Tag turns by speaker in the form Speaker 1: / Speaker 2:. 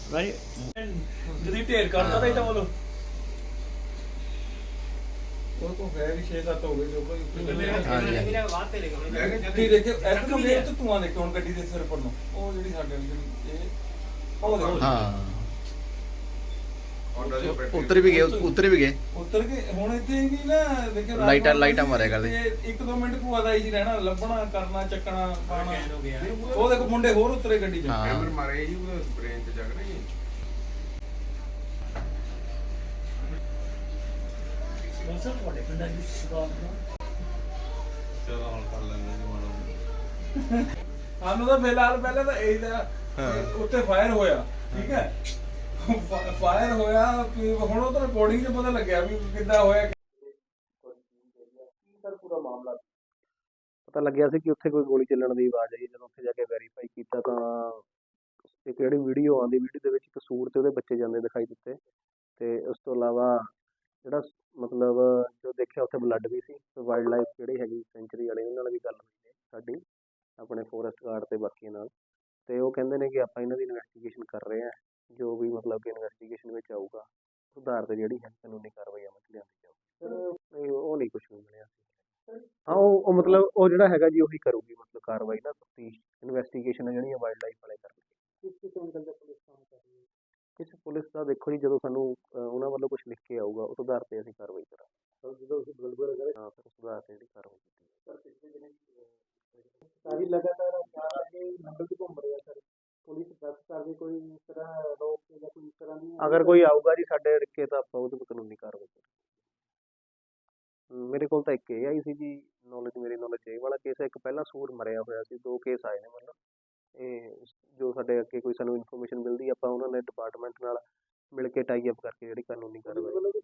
Speaker 1: ਭਾਈ
Speaker 2: ਜਦੀ ਢੇਰ ਕਰਤਾ ਤਾਂ ਇਹ ਤਾਂ ਬੋਲੋ
Speaker 3: ਉਹ ਤੋਂ ਹੈ ਵੀ 6-7 ਹੋ ਗਏ ਜੋ ਕੋਈ
Speaker 1: ਹਾਂਜੀ।
Speaker 2: ਮੇਰਾ ਬਾਤ ਤੇ ਲੈ
Speaker 3: ਗੱਡੀ ਦੇਖੇ ਇੱਕ ਨੂੰ ਵੇਖ ਤੇ ਧੂਆਂ ਦੇਖੋ ਹੁਣ ਗੱਡੀ ਦੇ ਸਿਰ ਪਰ ਨੂੰ ਉਹ ਜਿਹੜੀ ਸਾਡੇ ਵਾਲੀ ਇਹ ਉਹ ਦੇਖੋ
Speaker 1: ਹਾਂ ਉੱਤਰ ਵੀ ਗਏ
Speaker 3: ਉੱਤਰ ਕੇ ਹੁਣ ਇੱਥੇ ਵੀ ਨਾ ਦੇਖੋ
Speaker 1: ਲਾਈਟਾਂ ਮਾਰਿਆ ਕਰਦੇ।
Speaker 3: 1-2 ਮਿੰਟ ਭੂਆ ਦਾ ਹੀ ਸੀ ਰਹਿਣਾ ਲੱਭਣਾ ਕਰਨਾ ਚੱਕਣਾ ਪਾਣਾ
Speaker 2: ਹੋ ਗਿਆ
Speaker 3: ਉਹ ਦੇਖੋ ਮੁੰਡੇ ਹੋਰ ਉਤਰੇ ਗੱਡੀ 'ਚ
Speaker 1: ਹਾਂ।
Speaker 4: ਕੈਮਰ ਮਾਰੇ ਜੀ ਉਹ ਬ੍ਰੇਨ ਤੇ ਜਗ ਰਹੀ ਹੈ
Speaker 2: ਮੌਸਮ ਤੁਹਾਡੇ ਪਿੰਡਾਂ ਦੀ ਸ਼ੁਰੂਆਤ ਨੂੰ
Speaker 4: ਚਲੋ ਹੁਣ ਕਰ ਲੈਂਦੇ ਜੀ ਮਾੜਾ
Speaker 3: ਸਾਨੂੰ ਤਾਂ ਫਿਲਹਾਲ ਪਹਿਲਾਂ ਤਾਂ ਇਹ ਦਾ ਉੱਤੇ ਫਾਇਰ ਹੋਇਆ ਠੀਕ ਹੈ ਫਾਇਰ ਹੋਇਆ ਕਿ ਹੁਣ ਉਹ ਤਾਂ ਰਿਕਾਰਡਿੰਗ 'ਚ ਪਤਾ ਲੱਗਿਆ ਵੀ ਕਿੱਦਾਂ ਹੋਇਆ ਸਰ ਪੂਰਾ ਮਾਮਲਾ
Speaker 5: ਪਤਾ ਲੱਗਿਆ ਸੀ ਕਿ ਉੱਥੇ ਕੋਈ ਗੋਲੀ ਚੱਲਣ ਦੀ ਆਵਾਜ਼ ਆਈ। ਜਦੋਂ ਉੱਥੇ ਜਾ ਕੇ ਵੈਰੀਫਾਈ ਕੀਤਾ ਤਾਂ ਇੱਕ ਜਿਹੜੀ ਵੀਡੀਓ ਆਉਂਦੀ ਵੀਡੀਓ ਦੇ ਵਿੱਚ ਇੱਕ ਸੂਰ ਤੇ ਉਹਦੇ ਬੱਚੇ ਜਾਂਦੇ ਦਿਖਾਈ ਦਿੱਤੇ ਤੇ ਉਸ ਤੋਂ ਇਲਾਵਾ ਜਿਹੜਾ ਮਤਲਬ ਜੋ ਦੇਖਿਆ ਉੱਥੇ ਬਲੱਡ ਵੀ ਸੀ। ਵਾਈਲਡ ਲਾਈਫ ਜਿਹੜੀ ਹੈਗੀ ਸੈਂਚੁਰੀ ਵਾਲੇ ਉਹਨਾਂ ਨਾਲ ਵੀ ਗੱਲ ਹੋਈ ਹੈ ਸਾਡੀ ਆਪਣੇ ਫੋਰੈਸਟ ਗਾਰਡ ਤੇ ਬਾਕੀਆਂ ਨਾਲ ਤੇ ਉਹ ਕਹਿੰਦੇ ਨੇ ਕਿ ਆਪਾਂ ਇਹਨਾਂ ਦੀ ਇਨਵੈਸਟੀਗੇਸ਼ਨ ਕਰ ਰਹੇ ਹਾਂ ਜੋ ਵੀ ਮਤਲਬ ਕਿ ਇਨਵੈਸਟੀਗੇਸ਼ਨ ਵਿੱਚ ਆਊਗਾ ਸੁਧਾਰ ਤੇ ਜਿਹੜੀ ਹੈ ਕਾਨੂੰਨੀ ਕਾਰਵਾਈ ਅਮਲ 'ਚ ਲਿਆਂਦੀ ਜਾਊਗੀ। ਉਹ ਨਹੀਂ ਕੁਝ ਵੀ ਮਿਲਿਆ ਸੀ। ਹਾਂ ਉਹ ਮਤਲਬ ਉਹ ਜਿਹੜਾ ਹੈਗਾ ਜੀ ਉਹੀ ਕਰੂਗੀ ਮਤਲਬ ਕਾਰਵਾਈ ਨਾ ਤਫਤੀਸ਼ ਇਨਵੈਸਟੀਗੇਸ਼ਨ ਜਿਹੜੀਆਂ ਵਾਈਲਡ ਲਾਈਫ ਵਾਲੇ ਕਰਨਗੇ। ਕਿਸੇ ਪੁਲਿਸ ਦਾ ਦੇਖੋ ਜੀ ਜਦੋਂ ਸਾਨੂੰ ਉਹਨਾਂ ਵੱਲੋਂ ਕੁਝ ਲਿਖ ਕੇ ਆਊਗਾ ਉਸ ਆਧਾਰ ਤੇ ਅਸੀਂ ਕਾਰਵਾਈ ਕਰਾਂਗੇ। ਜਦੋਂ ਅਸੀਂ ਹਾਂ ਫਿਰ ਉਸ ਆਧਾਰ ਤੇ ਜਿਹੜੀ ਕਾਰਵਾਈ ਕੀਤੀ
Speaker 6: ਸਾਰੀ ਲਗਾਤਾਰ ਨੰਬਰ ਤੇ ਘੁੰਮ ਰਿਹਾ ਸਰ ਪੁਲਿਸ ਦਸ ਕਰਦੇ ਕੋਈ ਇਸ ਤਰ੍ਹਾਂ ਰੋਕ ਜਾਂ ਕੋਈ ਇਸ ਤਰ੍ਹਾਂ ਦੀ
Speaker 5: ਅਗਰ ਕੋਈ ਆਊਗਾ ਜੀ ਸਾਡੇ ਰਿਕੇ ਤਾਂ ਆਪਾਂ ਉਹਦੇ 'ਤੇ ਕਾਨੂੰਨੀ ਕਾਰਵਾਈ ਕਰਾਂਗੇ। ਮੇਰੇ ਕੋਲ ਤਾਂ ਇੱਕ ਇਹ ਆਈ ਸੀ ਜੀ ਮੇਰੀ ਨੌਲੇਜ ਇਹ ਵਾਲਾ ਕੇਸ ਹੈ। ਇੱਕ ਪਹਿਲਾਂ ਸੂਰ ਮਰਿਆ ਹੋਇਆ ਸੀ। 2 ਕੇਸ ਆਏ ਨੇ ਮਤਲਬ ਇਹ ਜੋ ਸਾਡੇ ਅੱਗੇ ਕੋਈ ਸਾਨੂੰ ਇਨਫੋਰਮੇਸ਼ਨ ਮਿਲਦੀ ਆਪਾਂ ਉਹਨਾਂ ਦੇ ਡਿਪਾਰਟਮੈਂਟ ਨਾਲ ਮਿਲ ਕੇ ਟਾਈ ਅਪ ਕਰਕੇ ਜਿਹੜੀ ਕਾਨੂੰਨੀ ਕਾਰਵਾਈ